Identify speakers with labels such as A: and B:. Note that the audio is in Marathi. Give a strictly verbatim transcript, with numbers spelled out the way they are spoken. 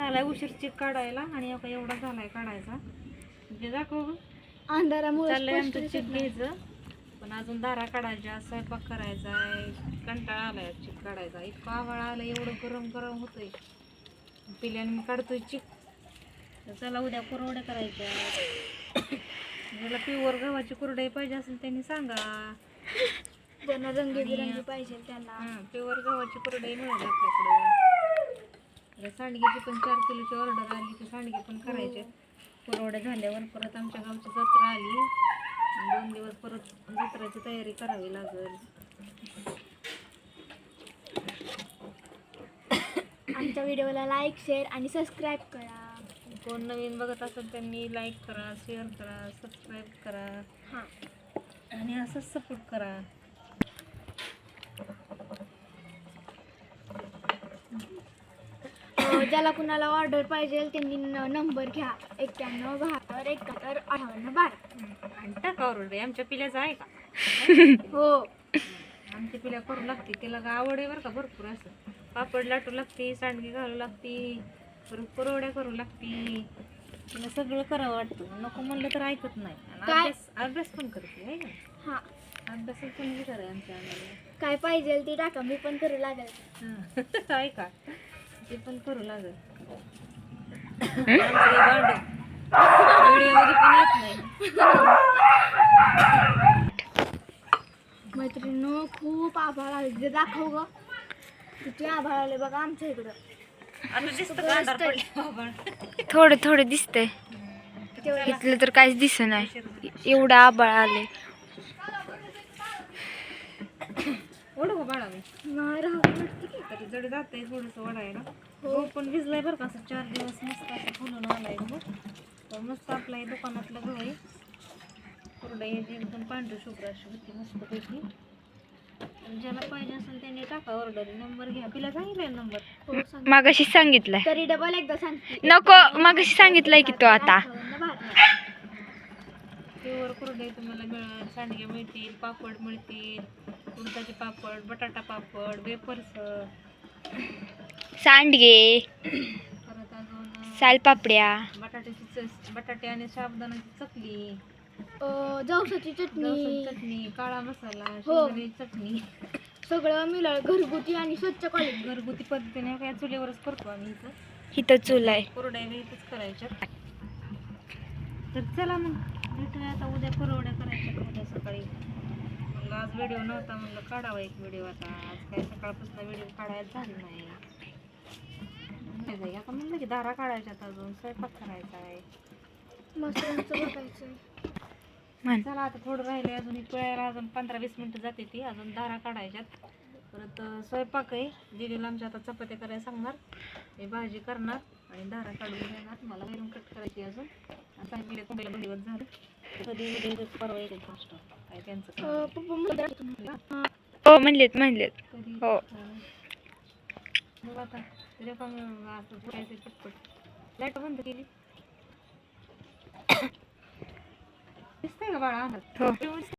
A: झालाय उशीर चिक काढायला आणि आता एवढा झालाय काढायचा म्हणजे दाखव
B: अंधारामुळे
A: चाललंय आमचं चिक घ्यायचं पण अजून दारा काढायच्या स्वयंपाक करायचा आहे कंटाळा आलाय चिक काढायचा इतकं आवाळा आलं एवढं गरम गरम होतंय पिल्याने मी काढतोय चिक तर चला उद्या कुरवड्या करायच्या ज्याला प्युअर गव्हाची कुरडई पाहिजे असेल त्यांनी सांगा
B: ज्यांना रंगीबिरंगी पाहिजे त्यांना
A: हां प्युअर गव्हाची कुरडई मिळेल आपल्याकडं सांडगेची पण चार किलोची ऑर्डर आली की सांडगे पण करायचे कुरवड्या झाल्यावर परत आमच्या गावची जत्रा आली दोन दिवस परत जत्राची तयारी करावी लागेल
B: आमच्या व्हिडिओला लाईक शेअर आणि सबस्क्राईब करा
A: कोण नवीन बघत असेल त्यांनी लाईक करा शेअर करा सबस्क्राईब करा
B: हां
A: आणि असंच सपोर्ट करा
B: ज्याला कुणाला ऑर्डर पाहिजे त्यांनी नंबर घ्या एक्क्याण्णव बहात्तर एकाहत्तर अठ्ठावन्न बारा
A: आणि टाका ऑर्डर आमच्या पिल्याचं आहे का
B: हो
A: आमच्या पिल्या करू लागते तिला का आवड आहे बरं का भरपूर असं पापड लाटू लागते सांडगी घालू लागते परत कुरवड्या करू लागते तिला सगळं करावं वाटतं नको म्हणलं तर ऐकत नाही आणि अभ्यास अभ्यास पण करते आहे का
B: हां
A: अभ्यास पण विचार आहे आमच्या आम्हाला
B: काय पाहिजे ते टाका मी पण करू लागेल
A: ऐका ते पण करू लागेल व्हिडिओ मध्ये पण येत नाही
B: मैत्रिणींनो खूप आभाळ आले जे दाखव ग किती आभाळ आले बघा आमच्या इकडं
A: आता दिसतं का अंधार पडला बाबा
C: थोडं थोडं दिसतंय इथलं तर काहीच दिसत नाही एवढं आबाळ आले
A: ओढ गो बाळा मी
B: नाही राहू
A: तरी जड जाते थोडंसं वडायला हो पण भिजलाय बरं का असं चार दिवस मस्त असं फुलून आलाय गहू तर मस्त आपला हे दुकानातलं गहू आहे कुरडई एकदम पांढरी शुभ्र अशी होती मस्त पैकी ज्याला पाहिजे असेल त्यांनी टाका ऑर्डर नंबर घ्या तिला सांगितलं नंबर
B: हो सांग
C: मागाशी सांगितलंय
B: तरी डबल एकदा सांगते
C: नको मागाशी सांगितलंय की तो आता
A: प्युअर कुरडई तुम्हाला मिळेल सांडगे मिळतील पापड मिळतील उडदाचे पापड बटाटा पापड वेफर्स
C: सांडगे
A: परत अजून
C: सालपापड्या
A: बटाट्याची च बटाटे आणि साबुदाण्याची चकली
B: जवसाची चटणी
A: लसूण चटणी काळा मसाला
B: हो.
A: शेंगदाण्याची चटणी
B: सगळं मिळालं घरगुती आणि स्वच्छ क्वालिटी
A: घरगुती पद्धतीने काय चुलीवरच करतो आम्ही इथं
C: इथं चूल आहे
A: कुरड्या इथंच करायच्या तर चला मग भेटूया आता उद्या कुरवड्या करायच्या उद्या सकाळी म्हणलं आज व्हिडिओ नव्हता म्हणलं काढावा एक व्हिडिओ आता आज काही सकाळपासून व्हिडिओ काढायला झाली नाही नाही आता म्हणलं की दारा काढायच्यात अजून स्वयंपाक करायचा आहे
B: मसाल्यांचं बघायचं
C: म्हण
A: चला आता थोडं राहिले अजून एक वेळेला अजून पंधरा वीस मिनटं जाते ती अजून दारा काढायच्यात परत स्वयंपाक आहे दीदीला आमच्या आता चपात्या करायला सांगणार मी भाजी करणार आणि दारा काढून देणार मला वरून कट करायची अजून आता गेले कुंडीला दोन दिवस झाले कधी उद्या परवा येते फर्स्ट काय त्यांचं काम.
B: पप्पा म्हणतात,
C: हो म्हणलेत म्हणलेत
A: कधी
C: हो.
A: मग आता तुझ्या काम असं बोलायचं पटपट लाईट बंद केली दिसतंय का बाळा
C: हो.